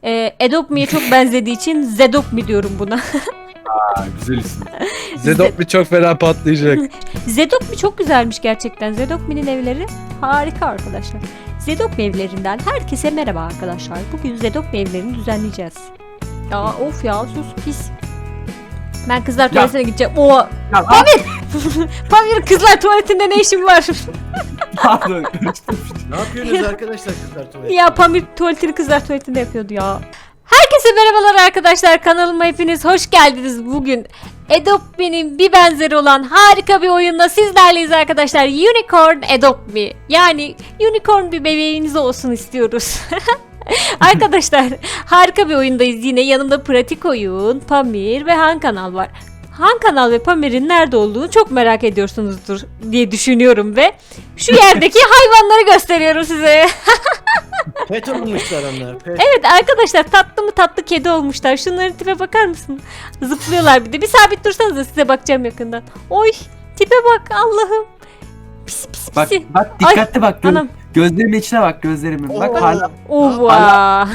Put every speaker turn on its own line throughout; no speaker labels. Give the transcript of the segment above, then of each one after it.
Adopt Me'ye çok benzediği için Zedop Me diyorum buna.
Güzel isim.
Zedop çok fena patlayacak.
Zedop Me çok güzelmiş gerçekten. Zedop Me'nin evleri harika arkadaşlar. Zedop Me evlerinden herkese merhaba arkadaşlar. Bugün Zedop Me evlerini düzenleyeceğiz. Ya of ya sus pis. Ben kızlar tuvaletine gideceğim. Oo. Pamir kızlar tuvaletinde ne işin var?
Pardon.
Ne yapıyorsunuz arkadaşlar kızlar tuvalette?
Ya Pamir tuvaletini kızlar tuvaletinde yapıyordu ya. Herkese merhabalar arkadaşlar. Kanalıma hepiniz hoş geldiniz. Bugün Adopt Me'nin bir benzeri olan harika bir oyunla sizlerleyiz arkadaşlar. Unicorn Adopt Me. Yani unicorn bir bebeğiniz olsun istiyoruz. Arkadaşlar harika bir oyundayız yine. Yanımda Pratik Oyun, Pamir ve Han Kanal var. Han Kanal ve Pamir'in nerede olduğunu çok merak ediyorsunuzdur diye düşünüyorum ve şu yerdeki hayvanları gösteriyorum size.
Pet olmuşlar onlar. Pet.
Evet arkadaşlar tatlı mı tatlı kedi olmuşlar. Şunların tipe bakar mısın? Zıplıyorlar bir de. Bir sabit dursanız da size bakacağım yakından. Oy tipe bak Allah'ım. Pis pis pis.
Bak dikkatli bak.
Anam.
Gözlerimin içine bak gözlerimin. Bak hala.
Ova.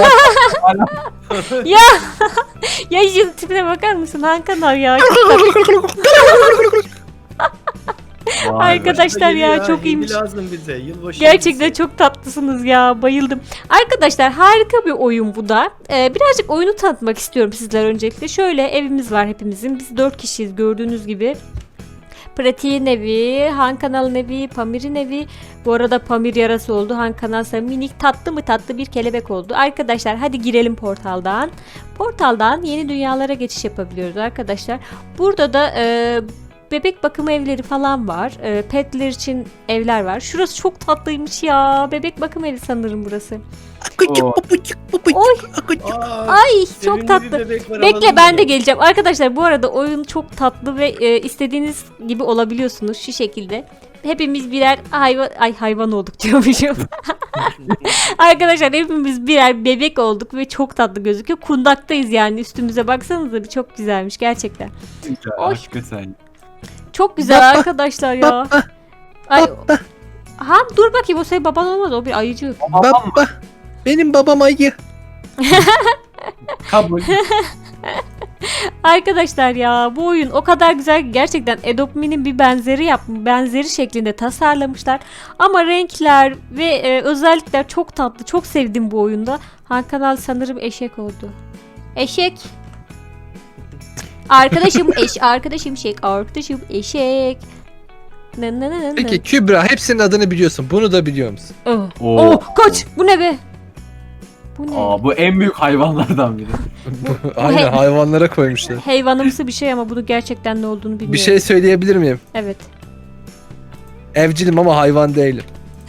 Ya ya şu tipine bakar mısın Han Kanal ya? Arkadaşlar ya çok iyiymiş.
Lazım bize. Yılbaşı
Gerçekten
hediyesi.
çok tatlısınız ya. Bayıldım. Arkadaşlar harika bir oyun bu da. Birazcık oyunu tanıtmak istiyorum sizler öncelikle. Şöyle evimiz var hepimizin. Biz 4 kişiyiz gördüğünüz gibi. Pratik'in evi, Han Kanal'ın evi, Pamir'in evi. Bu arada Pamir yarası oldu. Han Kanal'sa minik tatlı mı tatlı bir kelebek oldu. Arkadaşlar hadi girelim portaldan. Portaldan yeni dünyalara geçiş yapabiliyoruz arkadaşlar. Burada da bebek bakımı evleri falan var. Petler için evler var. Şurası çok tatlıymış ya. Bebek bakım evi sanırım burası. Oy. Ay çok
Sevimli
tatlı.
bir bebek var,
Bekle
alalım
ben
mı?
de geleceğim. Arkadaşlar bu arada oyun çok tatlı ve istediğiniz gibi olabiliyorsunuz şu şekilde. Hepimiz birer hayvan olduk diyormuşum. Arkadaşlar hepimiz birer bebek olduk ve çok tatlı gözüküyor. Kundaktayız yani üstümüze baksanıza bir çok güzelmiş gerçekten. Oy.
Hakikaten.
Çok güzel arkadaşlar ya. Ay. Ha dur bakayım o senin baban olmaz o bir ayıcı.
Baba. Benim babam ayı.
Kabul.
Arkadaşlar ya bu oyun o kadar güzel ki gerçekten Adopt Me'nin bir benzeri şeklinde tasarlamışlar. Ama renkler ve özellikler çok tatlı. Çok sevdim bu oyunda. Han Kanal sanırım eşek oldu. Eşek. Arkadaşım arkadaşım eşek.
Peki Kübra hepsinin adını biliyorsun. Bunu da biliyor musun?
Oh, kaç. Bu ne be? Bu ne?
Bu en büyük hayvanlardan biri.
Aynen hayvanlara koymuşlar.
Hayvanımsı bir şey ama bunu gerçekten ne olduğunu bilmiyorum.
Bir şey söyleyebilir miyim?
Evet.
Evcilim ama hayvan değilim.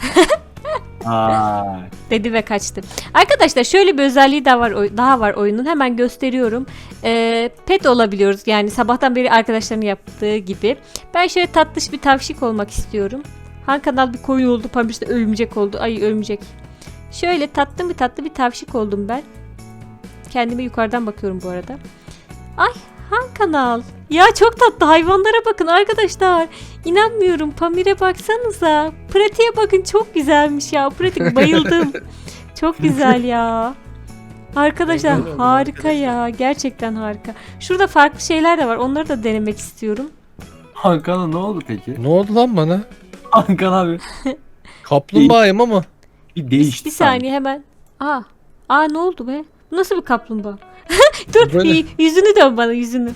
Dedi ve kaçtı. Arkadaşlar şöyle bir özelliği daha var oyunun. Hemen gösteriyorum. Pet olabiliyoruz. Yani sabahtan beri arkadaşlarının yaptığı gibi. Ben şöyle tatlış bir tavşik olmak istiyorum. Han Kanal bir koyun oldu. Pamir de örümcek oldu. Ay örümcek. Şöyle tatlı bir tavşik oldum ben. Kendime yukarıdan bakıyorum bu arada. Ay Han Kanal. Ya çok tatlı hayvanlara bakın arkadaşlar. İnanmıyorum. Pamir'e baksanıza. Pratik'e bakın çok güzelmiş ya. Pratik bayıldım. Çok güzel ya. Arkadaşlar
Güzel oldu
harika
arkadaşlar.
ya. Gerçekten harika. Şurada farklı şeyler de var. Onları da denemek istiyorum.
Hakan'a ne oldu peki?
Ne oldu lan bana?
Hakan abi
Kaplumbağayım ama.
bir değişti.
Bir saniye hemen. Aa ne oldu be? Bu nasıl bir kaplumbağa? Dur
Böyle.
yüzünü dön bana yüzünü.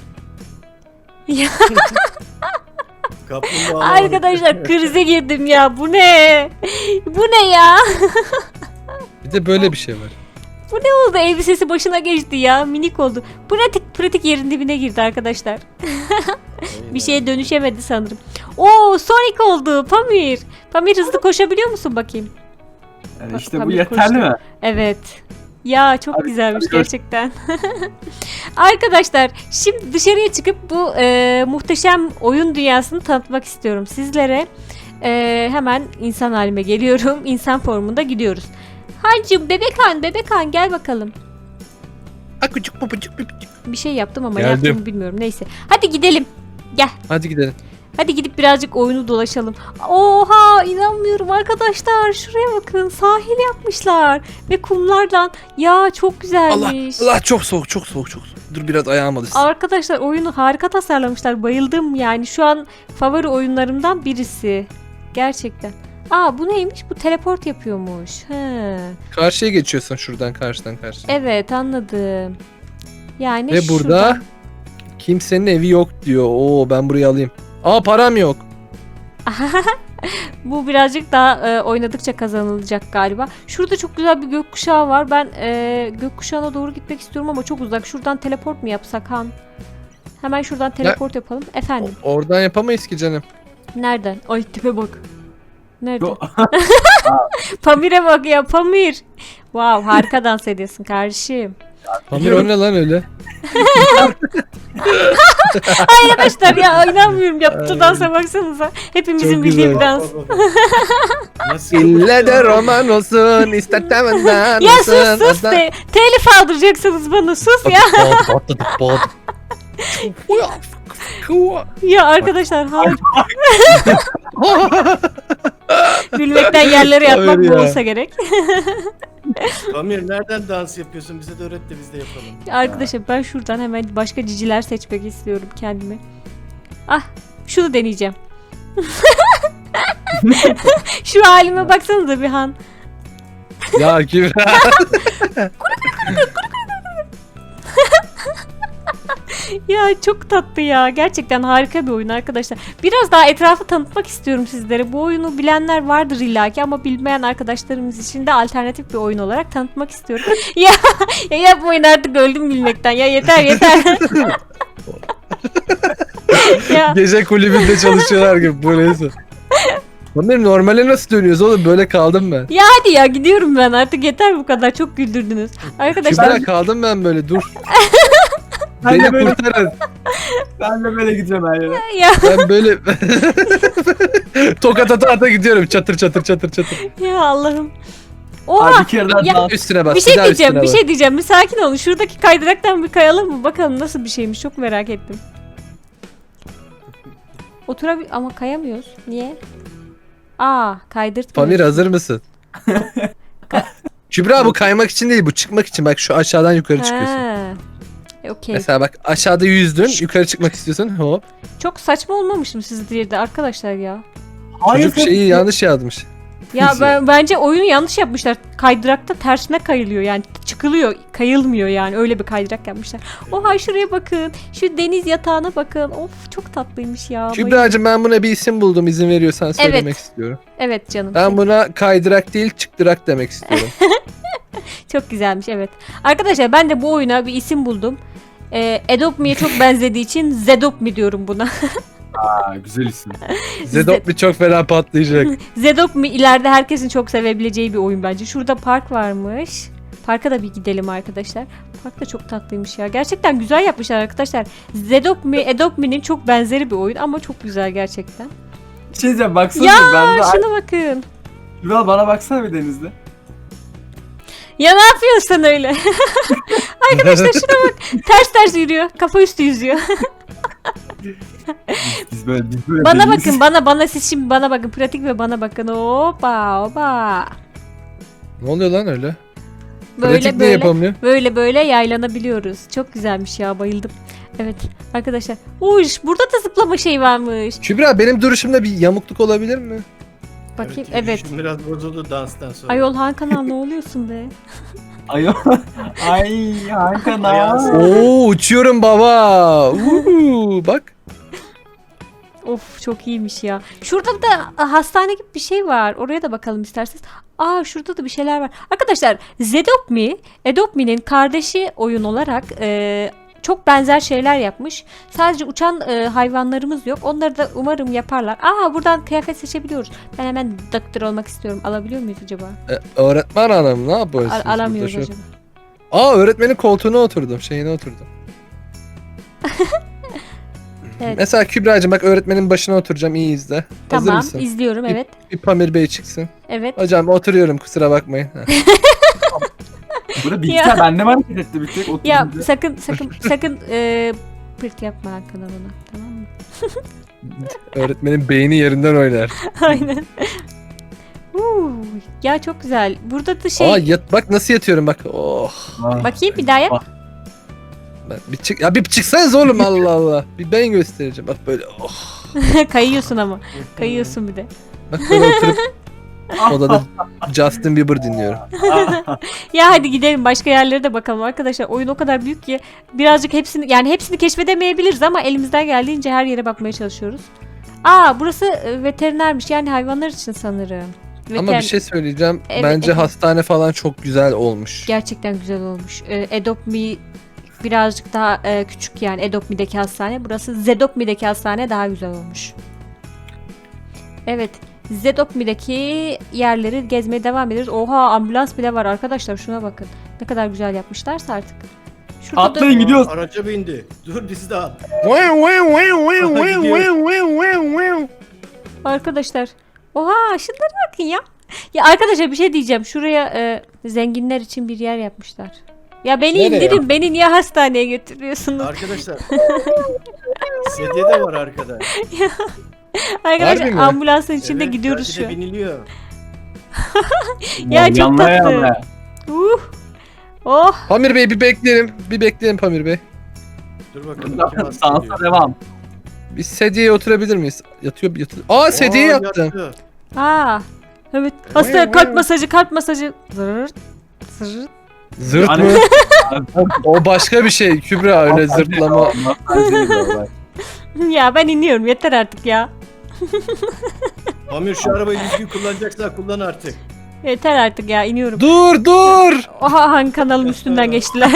Kaplumbağa
Arkadaşlar krize girdim ya. Bu ne? Bu ne ya?
Bir de böyle bir şey var.
Bu ne oldu? Elbisesi başına geçti ya. Minik oldu. Pratik yerin dibine girdi arkadaşlar. Bir şeye dönüşemedi sanırım. Oo Sonic oldu. Pamir. Pamir hızlı koşabiliyor musun bakayım?
Yani işte bu
Pamir
yeterli
koştu.
mi?
Evet. Ya çok
Hadi,
güzelmiş
hadi koş.
gerçekten. Arkadaşlar şimdi dışarıya çıkıp bu muhteşem oyun dünyasını tanıtmak istiyorum sizlere. Hemen insan halime geliyorum. İnsan formunda gidiyoruz. Hancım bebek han gel bakalım.
Akucuk papucuk.
Bir şey yaptım ama
Geldim.
yaptığımı bilmiyorum. Neyse. Hadi gidelim. Gel.
Hadi gidelim.
Hadi gidip birazcık oyunu dolaşalım. Oha, inanmıyorum arkadaşlar. Şuraya bakın, sahil yapmışlar. Ve kumlardan. Ya çok
Allah
güzelmiş.
Allah, çok soğuk, çok soğuk, çok soğuk. Dur biraz ayağım alışsın.
Arkadaşlar oyunu harika tasarlamışlar. Bayıldım yani. Şu an favori oyunlarımdan birisi. Gerçekten. Aa, bu neymiş? Bu teleport yapıyormuş. He.
Karşıya geçiyorsun şuradan, karşıdan karşıya.
Evet, anladım. Yani
Ve burada
şuradan-
kimsenin evi yok diyor. Oo, ben burayı alayım. Aa, param yok.
Bu birazcık daha oynadıkça kazanılacak galiba. Şurada çok güzel bir gökkuşağı var. Ben gökkuşağına doğru gitmek istiyorum ama çok uzak. Şuradan teleport mu yapsak Han? Hemen şuradan teleport yapalım. Efendim,
Oradan yapamayız ki canım.
nereden? Ay, tipe bak. Nerede?
Yo-
Pamir'e bak ya, Pamir. Wow, harika dans ediyorsun kardeşim.
Pamir, o ne lan öyle?
Arkadaşlar ya, inanmıyorum, yaptığı dansa baksanıza. Hepimizin
Çok
bildiği
güzel.
bir dans.
Nasıl?
İlle de roman olsun, ister temenden
Ya
olsun.
sus de. Telif aldıracaksınız bana, sus ya. Ya arkadaşlar, harika. Gülmekten yerlere yatmak
Hayır
bu
ya.
olsa gerek.
Pamir nereden dans yapıyorsun? Bize de öğret de biz de yapalım.
Arkadaşlar ben şuradan hemen başka ciciler seçmek istiyorum kendime. Ah, şunu deneyeceğim. Şu halime baksanıza bir Han.
Ya Kübra.
Ya çok tatlı ya. Gerçekten harika bir oyun arkadaşlar. Biraz daha etrafı tanıtmak istiyorum sizlere. Bu oyunu bilenler vardır illaki ama bilmeyen arkadaşlarımız için de alternatif bir oyun olarak tanıtmak istiyorum. ya yapmayın artık, öldüm bilmekten. Ya yeter yeter. ya
Gece kulübünde çalışıyorlar gibi, bu neyse. Pamir, normale nasıl dönüyoruz oğlum? Böyle kaldım ben.
ya hadi ya, gidiyorum ben artık, yeter bu kadar, çok güldürdünüz. Arkadaşlar
Kübra, kaldım ben böyle, dur.
Ben
Beni
de böyle,
kurtarın.
ben de böyle gideceğim her yere.
ya
Ben böyle tokat ata ata gidiyorum, çatır çatır çatır çatır.
ya Allah'ım.
Abi
Oha,
bir kere daha
Ya-
dans.
Üstüne bas.
bir şey
daha
diyeceğim,
üstüne
bir
bas.
şey diyeceğim. Bir sakin olun. Şuradaki kaydıraktan bir kayalım mı? Bakalım nasıl bir şeymiş. Çok merak ettim. Ama kayamıyoruz. Niye? Aa, kaydırtmıyor.
Pamir, hazır mısın? Kübra, bu kaymak için değil, bu çıkmak için. Bak, şu aşağıdan yukarı çıkıyorsun.
Ha. Okey.
Mesela bak, aşağıda yüzdün, yukarı çıkmak istiyorsun, hop.
Çok saçma olmamış mı sizce de arkadaşlar ya?
Çocuk şeyi yanlış yazmış.
Ya bence oyunu yanlış yapmışlar. Kaydırakta tersine kayılıyor, yani çıkılıyor, kayılmıyor, yani öyle bir kaydırak yapmışlar. Oha, şuraya bakın. Şu deniz yatağına bakın. Of, çok tatlıymış ya. Bayıldım.
Kübra'cığım, ben buna bir isim buldum, izin veriyorsan söylemek istiyorum.
Evet canım.
Ben buna kaydırak değil, çıktırak demek istiyorum.
Çok güzelmiş, evet. Arkadaşlar ben de bu oyuna bir isim buldum. Adopt Me'ye çok benzediği için Zedopt Me diyorum buna.
Aa, güzel isim.
Zedop bir çok fena patlayacak.
Zedopt Me ileride herkesin çok sevebileceği bir oyun bence. Şurada park varmış. Parka da bir gidelim arkadaşlar. Park da çok tatlıymış ya. Gerçekten güzel yapmışlar arkadaşlar. Zedopt Me, Adopt Me'nin çok benzeri bir oyun ama çok güzel gerçekten.
Bir şey diyeceğim, baksana
Ya,
ben de.
şuna bakın.
Yuval, bana baksana bir denizde.
Ya ne yapıyorsun sen öyle? Arkadaşlar şuna bak. Ters yürüyor. Kafa üstü yüzüyor.
Biz böyle
Bana
deniz-
bakın, bana siz şimdi bana bakın, pratik ve bana bakın. Hoppa hoppa.
Ne oluyor lan öyle?
Böyle
Pratik ne
böyle
yapamıyor?
böyle yaylanabiliyoruz. Çok güzelmiş ya, bayıldım. Evet arkadaşlar. Uş, burada da zıplama şey varmış.
Kübra, benim duruşumda bir yamukluk olabilir mi?
Bakayım, evet.
Şimdi biraz bozuldu danstan sonra.
Ayol Han Kanal, ne oluyorsun be?
Ay, ay Hakan
Ayağını-
abi.
Oo, uçuyorum baba. Bak.
Of, çok iyiymiş ya. Şurada da hastane gibi bir şey var. Oraya da bakalım isterseniz. Aa, şurada da bir şeyler var. Arkadaşlar Zedopt Me, Adopt Me'nin kardeşi oyun olarak çok benzer şeyler yapmış. Sadece uçan hayvanlarımız yok. Onları da umarım yaparlar. Aa, buradan kıyafet seçebiliyoruz. Ben hemen doktor olmak istiyorum. Alabiliyor muyuz acaba?
Öğretmen hanım, ne yapıyorsunuz?
Alamıyoruz
burada şu-
acaba.
Aa, öğretmenin koltuğuna oturdum, şeyine oturdum.
Evet.
Mesela Kübra'cığım, bak, öğretmenin başına oturacağım, iyi izle. Hazır
Tamam,
mısın?
izliyorum, evet.
Bir Pamir Bey çıksın.
Evet.
Hocam oturuyorum, kusura bakmayın. Heh.
Burada bilgisayar bende mi hareket etti bir tek?
Ya
Oturunca.
sakın pırt yapma Hakan bana, tamam mı?
Öğretmenin beyni yerinden oynar.
Aynen. Ya çok güzel. Burada da şey...
Aa yat bak nasıl yatıyorum bak. Oh.
Bakayım bir daha yap.
Bir çık ya bir çıksanız oğlum Allah Allah. Bir ben göstereceğim. Bak böyle oh.
Kayıyorsun ama. Kayıyorsun bir de.
Bak böyle oturup odada Justin Bieber dinliyorum.
Ya hadi gidelim başka yerlere de bakalım arkadaşlar. Oyun o kadar büyük ki birazcık hepsini keşfedemeyebiliriz ama elimizden geldiğince her yere bakmaya çalışıyoruz. Burası veterinermiş yani hayvanlar için sanırım.
Ama bir şey söyleyeceğim.
Evet,
Bence
evet.
hastane falan çok güzel olmuş.
Gerçekten güzel olmuş. Adopt Me birazcık daha küçük yani Adopt Me'deki hastane. Burası Zedopt Me'deki hastane daha güzel olmuş. Evet. Zedopt Me'deki yerleri gezmeye devam ederiz. Oha ambulans bile var arkadaşlar şuna bakın. Ne kadar güzel yapmışlarsa artık. Şurada
Atlayın gidiyoruz.
Araca bindi. Dur bizi de al.
Arkadaşlar. Oha şunlara bakın ya. Ya arkadaşlar bir şey diyeceğim. Şuraya zenginler için bir yer yapmışlar. Ya beni
Nereye?
indirin. Beni niye hastaneye götürüyorsunuz?
Arkadaşlar. Sedye de var arkada.
Arkadaşlar
Harbi mi?
ambulansın içinde
Evet,
gidiyoruz
belki
şu
de
an.
biniliyor.
Ya çok
Yanlaya
tatlı.
yanlaya.
Oh.
Pamir Bey bir bekleyelim. Bir bekleyelim Pamir Bey.
Dur bakalım. kim hasta
Sansa
ediyor.
devam.
Biz sedyeye oturabilir miyiz? Yatıyor. Aa sedyeye yattım.
yattı.
Evet. Hasta kalp masajı. Zırt. Zırt.
Zırt
Hani-
mı? O başka bir şey. Kübra öyle zırtlama.
Ya ben iniyorum yeter artık ya.
Pamir şu arabayı düzgün kullanacaksan kullan artık.
Yeter artık ya iniyorum.
Dur.
Oha hangi kanalın üstünden geçtiler.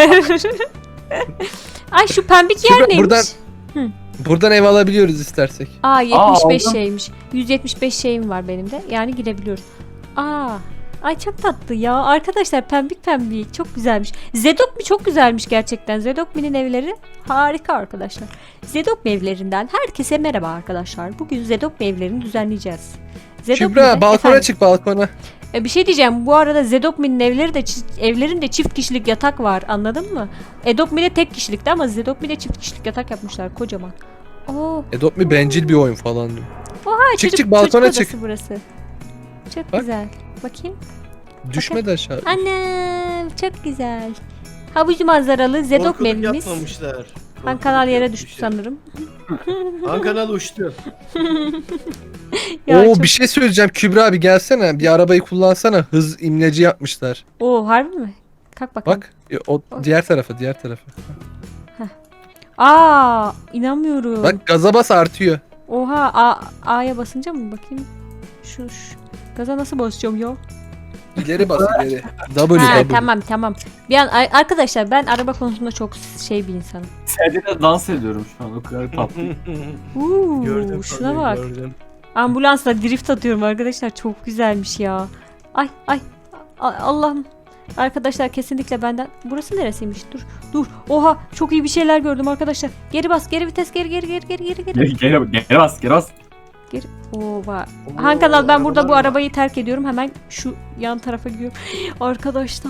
Ay şu pembik yer
Şurada-
neymiş?
Buradan ev alabiliyoruz istersek.
75
aldım.
şeymiş. 175 şeyim var benim de. Yani girebiliyoruz. Ay çok tatlı ya. Arkadaşlar pembik çok güzelmiş. Zedok çok güzelmiş gerçekten. Zedokmi'nin evleri harika arkadaşlar. Zedokmi evlerinden herkese merhaba arkadaşlar. Bugün Zedokmi evlerini düzenleyeceğiz.
Kübra balkona çık balkona.
Bir şey diyeceğim. Bu arada Zedokmi'nin evlerinde çift kişilik yatak var. Anladın mı? Edokmi'de tek kişilikti ama Zedokmi'de çift kişilik yatak yapmışlar kocaman. Oo.
Adopt Me bencil bir oyun falan diyor.
Oha,
Çık, balkona
çocuk
çık.
odası burası. Çok
Bak.
güzel. Bakayım.
Düşme de aşağı.
Annem çok güzel. Havuz manzaralı Zedokmi
Korkuluk
evimiz.
yapmamışlar.
Han
Korkuluk
kanal yere
yapmış
düştü
ya.
sanırım.
Han kanal uçtu.
Ya
Oo
çok-
bir şey söyleyeceğim Kübra abi gelsene. Bir arabayı kullansana. Hız imleci yapmışlar.
Oo harbi mi? Kalk bakalım.
Bak o diğer tarafa.
İnanmıyorum.
Bak gaza bas artıyor.
Oha A'ya basınca mı bakayım? Şu gaza nasıl basacağım ya?
İleri bas ileri. W.
Tamam. Bir an arkadaşlar ben araba konusunda çok bir insanım.
Sedye'de dans ediyorum şu an o kadar tatlı.
Gördüm.
Şuna
Pamir,
bak.
gördüm.
Ambulansla drift atıyorum arkadaşlar. Çok güzelmiş ya. Ay. Allah'ım. Arkadaşlar kesinlikle benden. Burası neresiymiş? Dur. Oha çok iyi bir şeyler gördüm arkadaşlar. Geri bas. Geri vites. Geri.
Geri bas.
Oha.
Oo,
Han kanal ben burada bu
arabalar var.
arabayı terk ediyorum. Hemen şu yan tarafa gidiyorum. Arkadaşlar.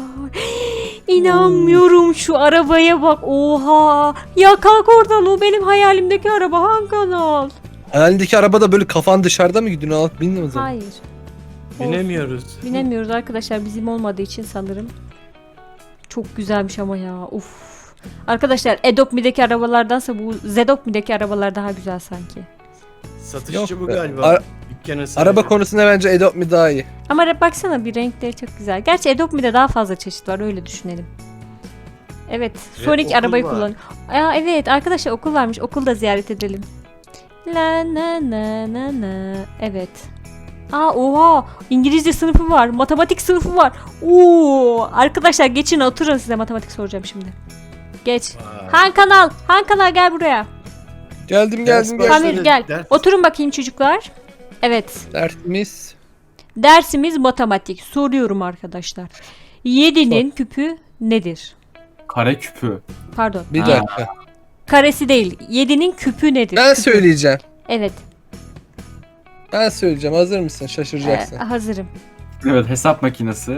İnanmıyorum şu arabaya bak. Oha. Ya kalk oradan o benim hayalimdeki araba Han kanal.
Hayalindeki arabada böyle kafan dışarıda mı gidiyorsun? Alıp bindin mi zaman?
Hayır.
Binemiyoruz.
Binemiyoruz arkadaşlar bizim olmadığı için sanırım. Çok güzelmiş ama ya. Uf. Arkadaşlar Adopt Me'deki arabalardansa bu Zedopt Me'deki arabalar daha güzel sanki.
Satışçı
Yok
bu
be.
galiba. Dükkanın sahibi.
Araba konusunda bence Adopt Me daha iyi.
Ama baksana bir renkleri çok güzel. Gerçi Adopt Me'de daha fazla çeşit var öyle düşünelim. Evet.
Ve
Sonic
okul
arabayı
var.
kullan. Evet arkadaşlar okul varmış. Okul da ziyaret edelim. La na na na na. Evet. Oha İngilizce sınıfı var, matematik sınıfı var. Arkadaşlar geçin oturun size matematik soracağım şimdi. Geç.
Vay.
Han kanal gel buraya.
Geldim.
Ders başladı.
Pamir gel.
Ders-
Oturun bakayım çocuklar. Evet.
Dersimiz.
Dersimiz matematik. Soruyorum arkadaşlar. 7'nin küpü nedir?
Kare küpü.
Pardon.
Bir
Ha.
dakika.
Karesi değil. 7'nin küpü nedir?
Ben
Küpü.
söyleyeceğim.
Evet.
Ben söyleyeceğim. Hazır mısın? Şaşıracaksın.
Hazırım.
Evet hesap makinesi.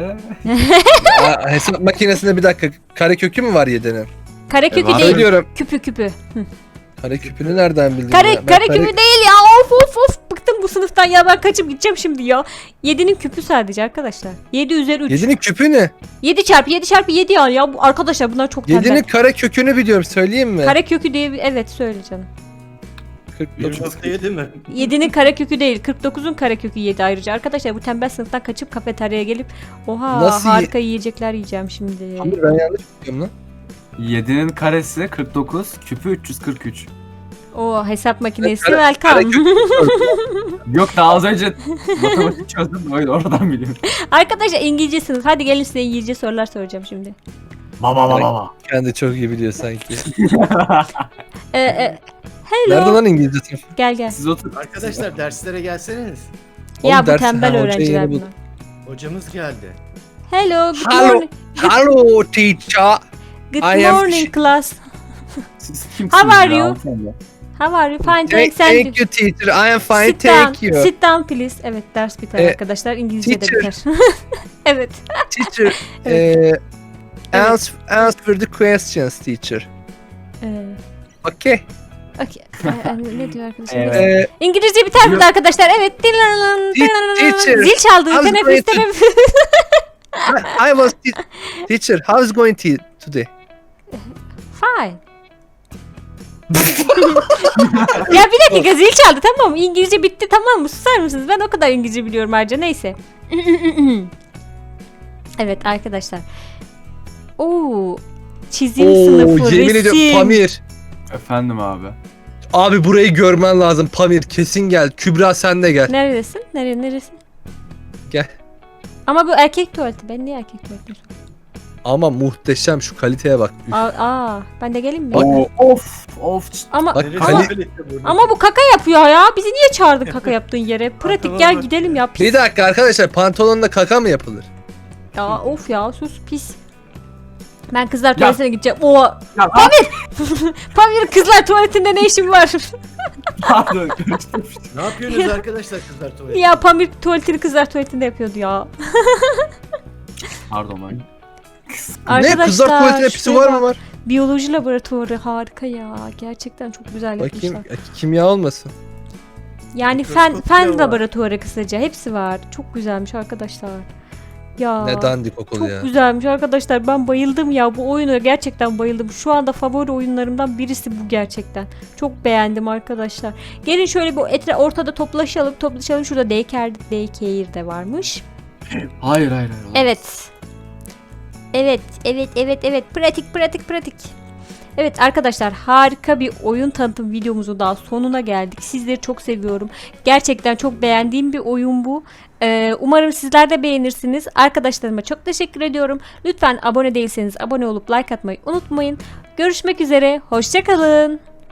Hesap makinesinde bir dakika. Karekökü mü var 7'nin?
Karekökü
var.
değil.
Söylüyorum.
Küpü. Hı.
Kare küpünü nereden bildin
Kare,
ya? Ben
kare küpü değil ya. Of. Bıktım bu sınıftan ya. Ben kaçıp gideceğim şimdi ya. 7'nin küpü sadece arkadaşlar. 7 üzeri 3.
7'nin küpü ne?
7 çarpı 7 çarpı 7 yani ya. Bu, arkadaşlar bunlar çok tembel.
7'nin kare kökünü biliyorum, söyleyeyim mi?
Kare kökü diye bir... Evet söyle canım.
49.
1.7 mi?
7'nin karekökü değil. 49'un karekökü 7 ayrıca. Arkadaşlar bu tembel sınıftan kaçıp kafeteryaya gelip oha
Nasıl
harika yiyecekler yiyeceğim şimdi.
Pamir, ben yanlış biliyorum lan.
7'nin karesi 49, küpü 343.
O hesap makinesi
Kare-
welcome.
Yok daha az önce matematik çözdüm de öyle oradan biliyorum.
Arkadaşlar İngilizce sınıf. Hadi gelin size İngilizce sorular soracağım şimdi.
Baba.
Kendi çok iyi biliyor sanki.
Hello.
Nerede lan İngilizce sınıfı?
Gel.
Siz oturun.
Arkadaşlar derslere gelseniz.
Ya
Oğlum
bu
ders-
tembel
ha, hocayı
öğrenciler
yeni
bunlar.
Hocamız geldi.
Hello, good
Hello.
morning.
Hello teacher.
Good
I am-
morning class.
Siz kimsiniz
How are
ya,
you?
hanımefendi?
How are you? Fine,
Thank,
thanks. And
thank you teacher. I am fine,
sit
thank
down.
you.
Sit down please. Evet ders biter arkadaşlar. İngilizce de
teacher.
biter. Evet.
Teacher,
Evet.
answer the questions teacher. Okay.
Okay. Ne diyor arkadaşlar?
Evet.
Neyse. İngilizce biter mi arkadaşlar? Evet.
Teacher,
Zil çaldı.
how's
Teneffüs
going to-
teneffüs.
I was teacher. How's going today?
Fine. Ya bir dakika zil çaldı tamam mı? İngilizce bitti tamam mı? Susar mısınız? Ben o kadar İngilizce biliyorum ayrıca. Neyse. Evet arkadaşlar. Oo, çizim sınıfı,
yemin ediyorum
resim.
Pamir.
Efendim abi.
Abi burayı görmen lazım Pamir. Kesin gel. Kübra sen de gel.
Neredesin? Neresin?
Gel.
Ama bu erkek tuvaleti. Ben niye erkek tuvaleti?
Ama muhteşem, şu kaliteye bak. Üf.
Ben de geleyim mi?
Bak.
Of.
Ama
Bak,
Neresi
ama,
öyle burada?
ama bu kaka yapıyor ya. Bizi niye çağırdın kaka yaptığın yere? Pratik
Tamam,
gel
bak.
gidelim ya. Pis.
Bir dakika arkadaşlar, pantolonla kaka mı yapılır?
Ya of ya sus pis. Ben kızlar tuvaletine gideceğim. Oo.
Ya,
Pamir kızlar tuvaletinde ne işin var?
pardon. karıştırmıştım.
Ne yapıyorsunuz arkadaşlar kızlar tuvalete?
Ya Pamir tuvaletini kızlar tuvaletinde yapıyordu ya.
Pardon ben.
Ne? Kızlar tuvaletine pisi
şuraya
var mı
bak.
var?
Biyoloji laboratuvarı harika ya. Gerçekten çok güzel
Bakayım,
yapmışlar.
kimya olmasın.
Yani
Mikroskop
fen
bile var.
laboratuvarı kısaca hepsi var. Çok güzelmiş arkadaşlar. Ya.
Ne dandik okul
Çok
ya.
güzelmiş arkadaşlar. Ben bayıldım ya. Bu oyuna gerçekten bayıldım. Şu anda favori oyunlarımdan birisi bu gerçekten. Çok beğendim arkadaşlar. Gelin şöyle bu ortada toplaşalım. Şurada daycare de varmış.
Hayır.
Evet. Evet. Pratik. Evet arkadaşlar harika bir oyun tanıtım videomuzun daha sonuna geldik. Sizleri çok seviyorum. Gerçekten çok beğendiğim bir oyun bu. Umarım sizler de beğenirsiniz. Arkadaşlarıma çok teşekkür ediyorum. Lütfen abone değilseniz abone olup like atmayı unutmayın. Görüşmek üzere. Hoşça kalın.